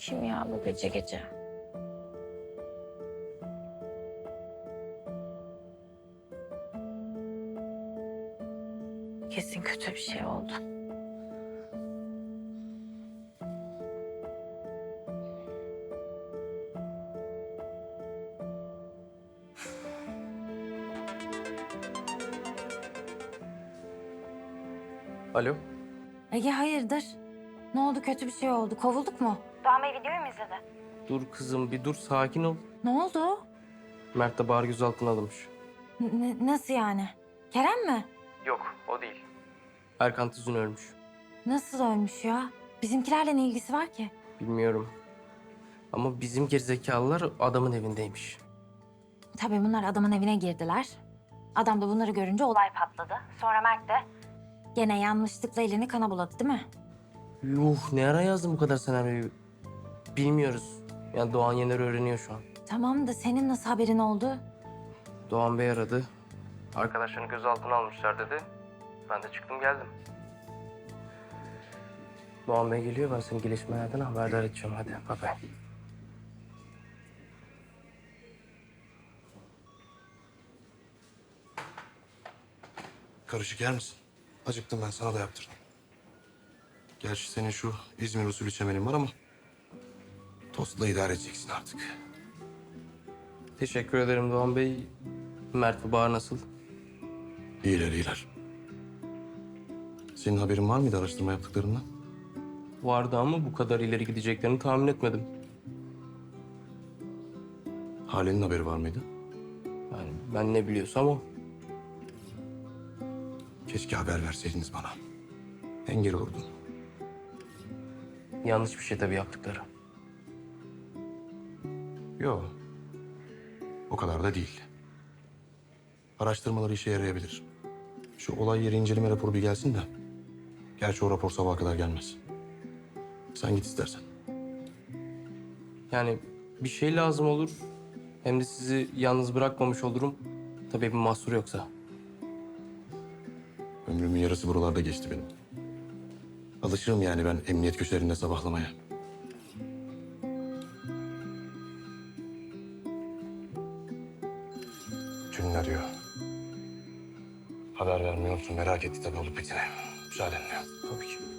Kim ya bu gece gece? Kesin kötü bir şey oldu. Alo. Ege hayırdır? Ne oldu, kötü bir şey oldu? Kovulduk mu? Doğan Bey videoyu mu izledi? Dur kızım bir dur sakin ol. Ne oldu? Mert de Bahar gözaltına alınmış. Nasıl yani? Kerem mi? Yok o değil. Erkan Tüzün ölmüş. Nasıl ölmüş ya? Bizimkilerle ne ilgisi var ki? Bilmiyorum. Ama bizim gerizekalılar adamın evindeymiş. Tabii bunlar adamın evine girdiler. Adam da bunları görünce olay patladı. Sonra Mert de gene yanlışlıkla elini kana buladı değil mi? Yuh ne ara yazdın bu kadar senaryoyu? Bilmiyoruz. Yani Doğan Yener öğreniyor şu an. Tamam da senin nasıl haberin oldu? Doğan Bey aradı. Arkadaşlarını gözaltına almışlar dedi. Ben de çıktım geldim. Doğan Bey geliyor, ben seni gelişmelerden haberdar edeceğim. Hadi bye bye. Karışık yer misin? Acıktım ben, sana da yaptırdım. Gerçi senin şu İzmir usulü çemenin var ama... ...tostla idare edeceksin artık. Teşekkür ederim Doğan Bey. Mert ve Bahar nasıl? İyiler, iyiler. Senin haberin var mıydı araştırma yaptıklarından? Vardı ama bu kadar ileri gideceklerini tahmin etmedim. Hale'nin haberi var mıydı? Yani ben ne biliyorsam o. Keşke haber verseydiniz bana. Engel olurdum. Yanlış bir şey tabii yaptıkları. Yok. O kadar da değil. Araştırmaları işe yarayabilir. Şu olay yeri inceleme raporu bir gelsin de. Gerçi o rapor sabaha kadar gelmez. Sen git istersen. Yani bir şey lazım olur. Hem de sizi yalnız bırakmamış olurum. Tabii bir mahsur yoksa. Ömrümün yarısı buralarda geçti benim. Alışırım yani ben emniyet köşelerinde sabahlamaya. Tülin arıyor. Haber vermiyor musun? Merak etti tabii olup biteni. Müsaadenle. Tabii ki.